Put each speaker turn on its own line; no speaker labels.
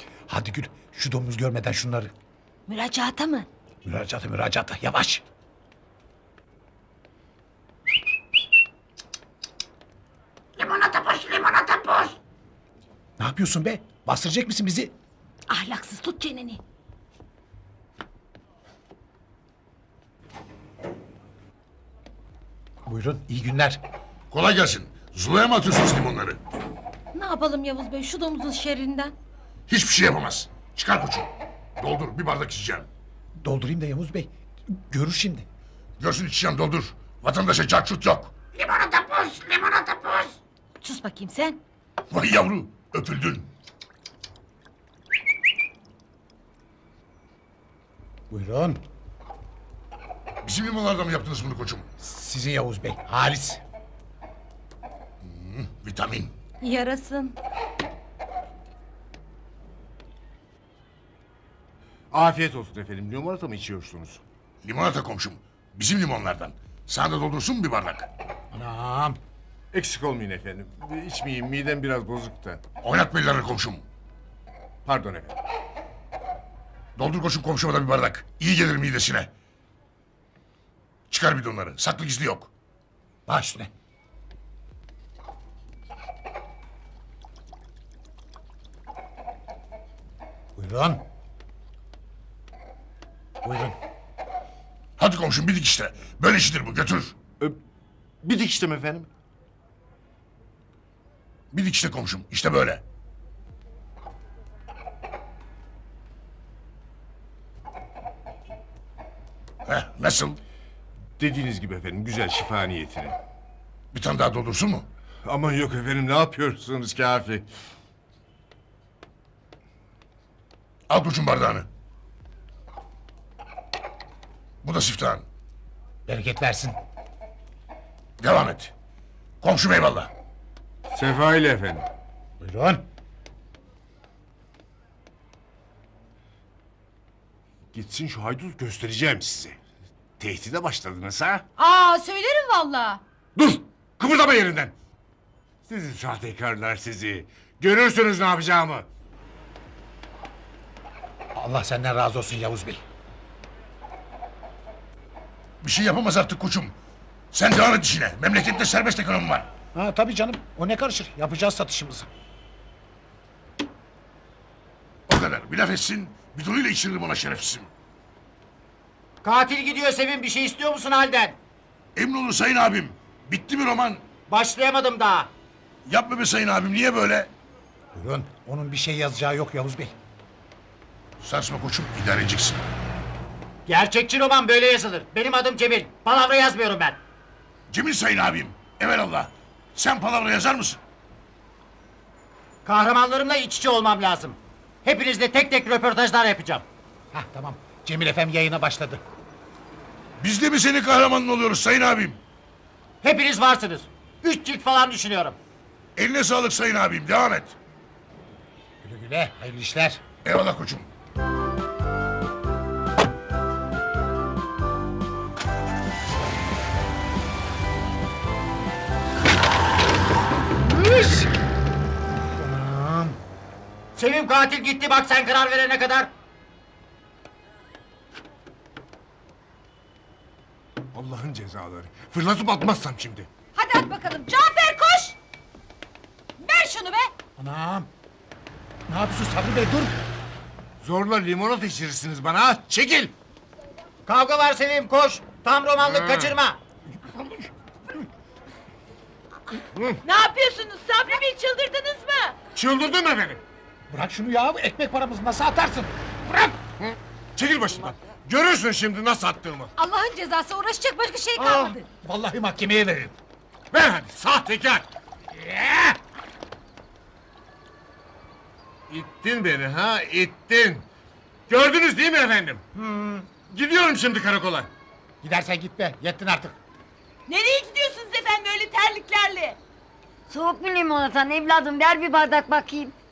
Hadi Gül, şu domuz görmeden şunları.
Müracaata mı?
Müracaata, yavaş.
Limonata boş.
Ne yapıyorsun be? Bastıracak mısın bizi?
Ahlaksız, tut çeneni.
Buyurun, iyi günler.
Kolay gelsin. Zula'ya mı atıyorsunuz limonları?
Ne yapalım Yavuz Bey şu domuzun şerrinden?
Hiçbir şey yapamaz. Çıkar koçum. Doldur, bir bardak içeceğim.
Doldurayım da Yavuz Bey. Görür şimdi.
Görsün içeceğim, doldur. Vatandaşa carçut yok. Limonata boş.
Sus bakayım sen.
Vay yavru, öpüldün.
Buyurun.
Bizim limonlardan mı yaptınız bunu koçum?
Sizin Yavuz Bey, Halis.
Vitamin.
Yarasın.
Afiyet olsun efendim. Limonata mı içiyorsunuz?
Limonata komşum. Bizim limonlardan. Sana da doldursun mu bir bardak?
Anam.
Eksik olmayın efendim. İçmeyeyim, midem biraz bozuk da.
Oynatma ellerini komşum.
Pardon efendim.
Doldur koçum komşuma da bir bardak. İyi gelir midesine. Çıkar bidonları. Saklı gizli yok.
Baş üstüne. Buyurun. Buyurun.
Hadi komşum bir dik işte. Böyle işidir bu, götür.
Bir dikiştim efendim.
Bir dik işte komşum. İşte böyle. Nasıl?
Dediğiniz gibi efendim, güzel şifa niyetine.
Bir tane daha doldursun mu?
Aman yok efendim, ne yapıyorsunuz kafi?
Al koçum bardağını. Bu da siftahın.
Bereket versin.
Devam et. Komşum eyvallah.
Sefa ile efendim.
Buyurun.
Gitsin şu haydut, göstereceğim size. Tehdide başladınız ha?
Aa söylerim valla.
Dur! Kıpırdama yerinden! Sizi sahtekarlar sizi. Görürsünüz ne yapacağımı.
Allah senden razı olsun Yavuz Bey.
Bir şey yapamaz artık koçum. Sen devam et işine. Memlekette serbest ekonomi var.
Ha tabii canım. O ne karışır? Yapacağız satışımızı.
O kadar. Bir laf etsin. Bidonuyla içiririm ona şerefsizim.
Katil gidiyor Sevim, bir şey istiyor musun halden?
Emin olun sayın abim. Bitti mi roman?
Başlayamadım daha.
Yapma be sayın abim. Niye böyle?
Buyurun. Onun bir şey yazacağı yok Yavuz Bey.
Sarsma koçum. İdare edeceksin.
Gerçekçi roman böyle yazılır. Benim adım Cemil. Palavra yazmıyorum ben.
Cemil sayın abim. Evelallah. Sen palavra yazar mısın?
Kahramanlarımla iç içe olmam lazım. Hepinizle tek tek röportajlar yapacağım.
Hah tamam. Cemil Efem yayına başladı.
Biz de mi senin kahramanın oluyoruz sayın abim?
Hepiniz varsınız. 3 cilt falan düşünüyorum.
Eline sağlık sayın abim. Devam et.
Güle güle. Hayırlı işler.
Eyvallah koçum.
Anam.
Sevim katil gitti, bak sen karar verene kadar.
Allah'ın cezaları. Fırlatıp atmazsam şimdi.
Hadi at bakalım. Cafer koş. Ver şunu be.
Anam. Ne yapıyorsun Sabri Bey dur.
Zorla limonata içirirsiniz bana ha. Çekil!
Kavga var Sevim, koş. Tam romanlık, kaçırma.
Ne yapıyorsunuz Sabri Bey, çıldırdınız mı?
Çıldırdım efendim.
Bırak şunu ya. Ekmek paramızı nasıl atarsın? Bırak.
Çekil başımdan. Görürsün şimdi nasıl attığımı.
Allah'ın cezası, uğraşacak başka şey kalmadı.
Vallahi mahkemeye veririm.
Ver hadi sahtekar. İttin beni ha, ittin. Gördünüz değil mi efendim? Gidiyorum şimdi karakola.
Gidersen git be. Yettin artık.
Nereye gidiyorsunuz efendim öyle terliklerle?
Soğuk mu limonatan evladım, ver bir bardak bakayım.